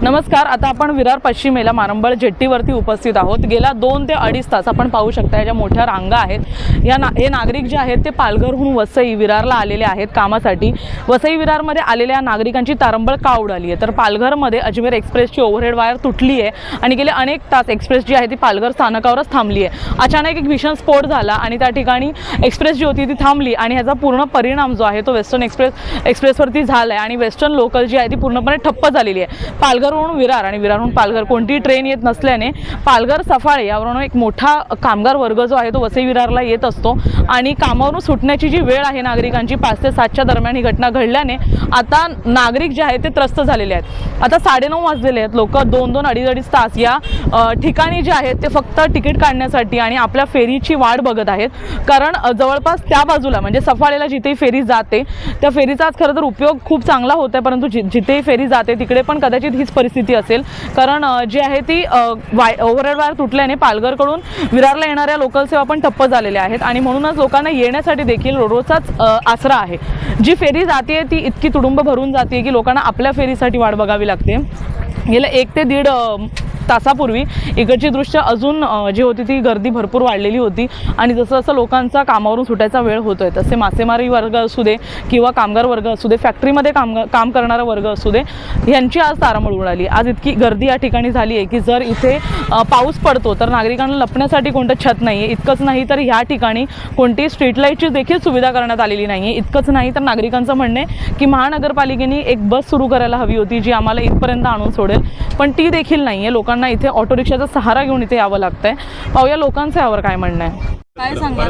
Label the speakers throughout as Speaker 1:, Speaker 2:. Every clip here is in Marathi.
Speaker 1: नमस्कार. आता आपण विरार पश्चिमेला मारंबळ जेट्टीवरती उपस्थित आहोत. गेल्या 2 ते 2.5 तास आपण पाहू शकता, या ज्या मोठ्या रांगा आहेत, हे नागरिक जे आहेत ते पालघरहून वसई विरारला आलेले आहेत कामासाठी. वसई विरारमध्ये आलेल्या नागरिकांची तारंबळ का उडाली आहे, तर पालघरमध्ये अजमेर एक्सप्रेसची ओव्हरहेड वायर तुटली आहे आणि गेले अनेक तास एक्सप्रेस जी आहे ती पालघर स्थानकावरच थांबली आहे. अचानक एक भीषण स्फोट झाला आणि त्या ठिकाणी एक्सप्रेस जी होती ती थांबली आणि ह्याचा पूर्ण परिणाम जो आहे तो वेस्टर्न एक्सप्रेसवरती झाला आहे आणि वेस्टर्न लोकल जी आहे ती पूर्णपणे ठप्प झालेली आहे. पालघरहून विरार आणि विरारहून पालघर कोणतीही ट्रेन येत नसल्याने पालघर सफाळे यावरून एक मोठा कामगार वर्ग जो आहे तो वसई विरारला येत असतो आणि कामावरून सुटण्याची जी वेळ आहे नागरिकांची 5 ते 7च्या दरम्यान ही घटना घडल्याने आता नागरिक जे आहेत ते त्रस्त झालेले आहेत. आता 9:30 वाजलेले आहेत. लोक 2-2, 2.5 तास या ठिकाणी जे आहेत ते फक्त तिकीट काढण्यासाठी आणि आपल्या फेरीची वाट बघत आहेत. कारण जवळपास त्या बाजूला म्हणजे सफाळेला जिथे फेरी जाते त्या फेरीचाच खरं तर उपयोग खूप चांगला होता, परंतु जिथे फेरी जाते तिकडे पण कदाचित हीच परिस्थिती असेल. कारण जी आहे ती ओव्हरहेड वायर तुटल्याने पालघरकडून विरारला येणाऱ्या लोकल सेवा पण ठप्प झालेल्या आहेत आणि म्हणूनच लोकांना येण्यासाठी देखील रोडचाच आसरा आहे. जी फेरी जाते ती इतकी तुडुंब भरून जाते की लोकांना आपल्या फेरीसाठी वाट बघावी लागते. गेल्या 1 ते 1.5 तासापूर्वी इकडची दृश्य अजून जी होती ती गर्दी भरपूर वाढलेली होती आणि जसं जसं लोकांचा कामावरून सुटायचा वेळ होतोय तसे मासेमारी वर्ग असू दे किंवा कामगार वर्ग असू दे, फॅक्टरीमध्ये काम करणारा वर्ग असू दे, यांची आज तारांबळ उडाली. आज इतकी गर्दी या ठिकाणी झाली आहे की जर इथे पाऊस पडतो तर नागरिकांना लपण्यासाठी कोणतं छत नाही आहे. इतकंच नाही तर ह्या ठिकाणी कोणती स्ट्रीट लाईटची देखील सुविधा करण्यात आलेली नाही आहे. इतकंच नाही तर नागरिकांचं म्हणणे की महानगरपालिकेने एक बस सुरू करायला हवी होती जी आम्हाला इथपर्यंत आणून सोडेल, पण ती देखील नाही आहे. लोकांना इथे ऑटो रिक्षाचा सहारा घेऊन इथे यावं लागतंय. पाहूया लोकांचं यावर काय म्हणणं आहे. काय सांगाल,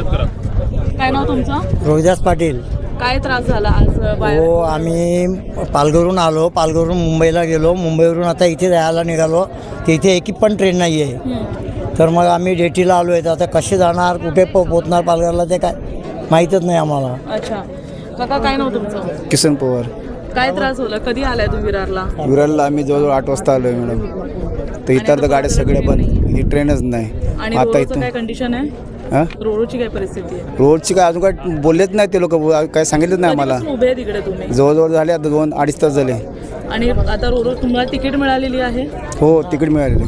Speaker 1: काय नाव तुमचं?
Speaker 2: रोहिदास पाटील.
Speaker 1: काय त्रास झाला आज?
Speaker 2: हो, आम्ही पालघरहून आलो, पालघरहून मुंबईला गेलो, मुंबईवरून आता इथे जायला निघालो की इथे एक पण ट्रेन नाही आहे. तर मग आम्ही जेटीला आलो आहे. तर आता कसे जाणार, कुठे पोहोचणार पालघरला ते काय माहीतच नाही आम्हाला.
Speaker 1: अच्छा काका, काय नाव तुमचं?
Speaker 3: किसन पवार.
Speaker 1: काय त्रास झाला? कधी आलाय तुम्ही विरारला?
Speaker 3: विरारला आम्ही जवळजवळ 8 वाजता आलोय मॅडम. तर इतर तर गाड्या सगळ्या बंद, ही ट्रेनच नाही.
Speaker 1: आणि
Speaker 3: आता
Speaker 1: इथं काय कंडिशन आहे?
Speaker 3: हां,
Speaker 1: रोडची काय परिस्थिती आहे?
Speaker 3: रोडची काय अजून काय बोललेच नाही ते लोक, काय सांगितलंच नाही आम्हाला.
Speaker 1: कधीपासून उभे आहे तिकडे तुम्ही?
Speaker 3: जवळजवळ झाले आता 2-2.5 तास झाले.
Speaker 1: आणि आता रोड तुम्हाला तिकीट मिळालेली आहे?
Speaker 3: हो, तिकीट मिळालेले.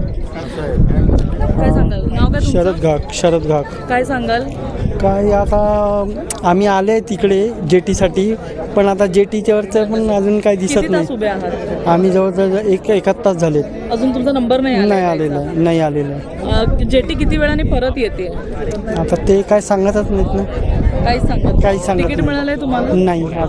Speaker 1: काय सांगाल? नाव काय तुमचं?
Speaker 4: शरद घाक.
Speaker 1: काय सांगाल?
Speaker 4: काय आता आम्ही आले तिकडे जेटीसाठी, पण आता जेटीच्यावरचं पण अजून काही दिसत
Speaker 1: किती तास
Speaker 4: नाही.
Speaker 1: उभे आहात?
Speaker 4: आम्ही जवळजवळ एक तास झाले.
Speaker 1: अजून तुमचा नंबर नाही
Speaker 4: नाही आलेलं.
Speaker 1: जेटी किती वेळाने परत येते?
Speaker 4: आता ते काय सांगतच नाहीत ना.
Speaker 1: काहीच सांगत
Speaker 4: काही सांगत
Speaker 1: तिकीट
Speaker 4: नाही.
Speaker 1: मिळालंय तुम्हाला?
Speaker 4: नाही.